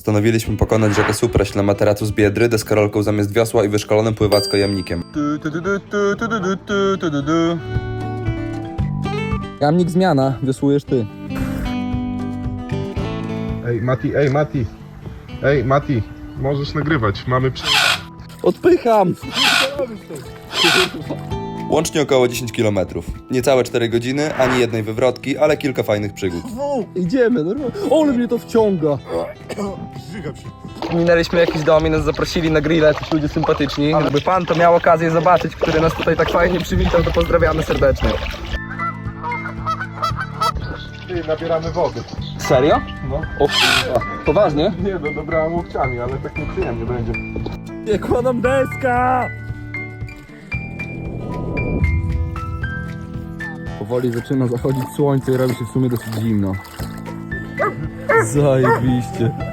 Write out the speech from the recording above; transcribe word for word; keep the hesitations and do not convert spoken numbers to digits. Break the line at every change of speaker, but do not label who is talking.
Postanowiliśmy pokonać rzekę Supraś na materacu z Biedry, deskorolką zamiast wiosła i wyszkolonym pływacko-jamnikiem.
Jamnik zmiana, wiosłujesz ty.
Ej, Mati, ej, Mati. Ej, Mati, możesz nagrywać, mamy przy...
Odpycham!
Łącznie około dziesięć kilometrów. Niecałe cztery godziny, ani jednej wywrotki, ale kilka fajnych przygód.
Idziemy, normalnie. Ole mnie to wciąga. Minęliśmy jakiś dom i nas zaprosili na grilla, jacyś ludzie sympatyczni. Jakby pan to miał okazję zobaczyć, który nas tutaj tak fajnie przywitał, to pozdrawiamy serdecznie.
Ty, nabieramy wody.
Serio?
No.
O k***a. Poważnie?
Nie, no dobrałem łokciami, ale tak nieprzyjemnie będzie.
Nie kładam deska! Powoli zaczyna zachodzić słońce i robi się w sumie dosyć zimno. Zajebiście.